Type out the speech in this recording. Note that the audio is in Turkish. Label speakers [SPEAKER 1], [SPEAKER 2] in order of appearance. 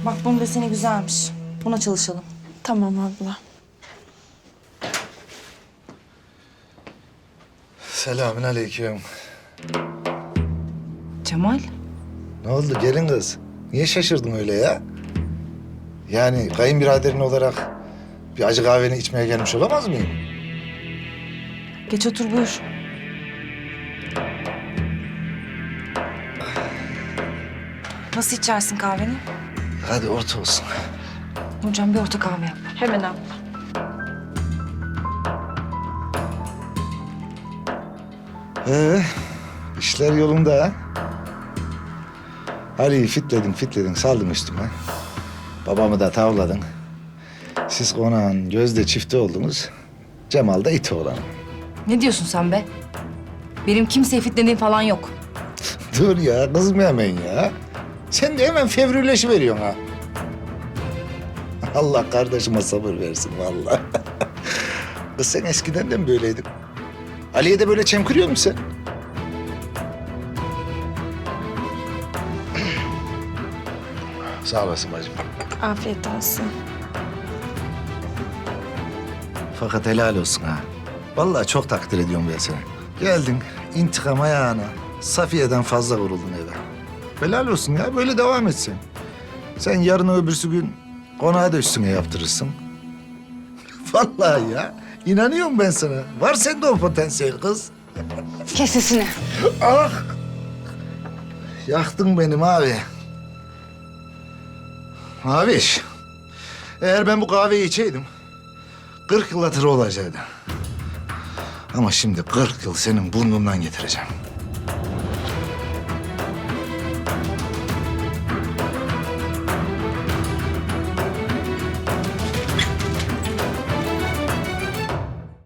[SPEAKER 1] Bak bunun deseni güzelmiş. Buna çalışalım.
[SPEAKER 2] Tamam abla.
[SPEAKER 3] Selamünaleyküm.
[SPEAKER 1] Cemal.
[SPEAKER 3] Ne oldu gelin kız? Niye şaşırdın öyle ya? Yani kayınbiraderin olarak bir acı kahveni içmeye gelmiş olamaz mıyım?
[SPEAKER 1] Geç otur buyur. Nasıl içersin kahveni?
[SPEAKER 3] Hadi orta olsun.
[SPEAKER 1] Nurcan bir orta kahve yap.
[SPEAKER 2] Hemen abla.
[SPEAKER 3] İşler yolunda ha? Ali'yi fitledin, saldın üstüme. Babamı da tavladın. Siz konağın gözde çifti oldunuz. Cemal da iti olan.
[SPEAKER 1] Ne diyorsun sen be? Benim kimseye fitlediğim falan yok.
[SPEAKER 3] Dur ya, kızma hemen ya. Sen de hemen fevrileşiveriyorsun ha. Allah kardeşime sabır versin vallahi. Kız sen eskiden de mi böyleydin? Ali'ye de böyle çemkiriyor musun sen? Sağ olasın bacım.
[SPEAKER 2] Afiyet olsun.
[SPEAKER 3] Fakat helal olsun ha. Vallahi çok takdir ediyorum ben seni. Geldin intikam ayağına. Safiye'den fazla vuruldun eve. Helal olsun ya, böyle devam etsin. Sen yarın öbürsü gün konağı da üstüne yaptırırsın. Vallahi ya, inanıyorum ben sana. Var sende o potansiyel kız.
[SPEAKER 2] Kes sesini.
[SPEAKER 3] Ah! Yaktın benim abi. Abiş, eğer ben bu kahveyi içeydim, 40 yıl hatırı olacaktı. Ama şimdi 40 yıl senin burnundan getireceğim.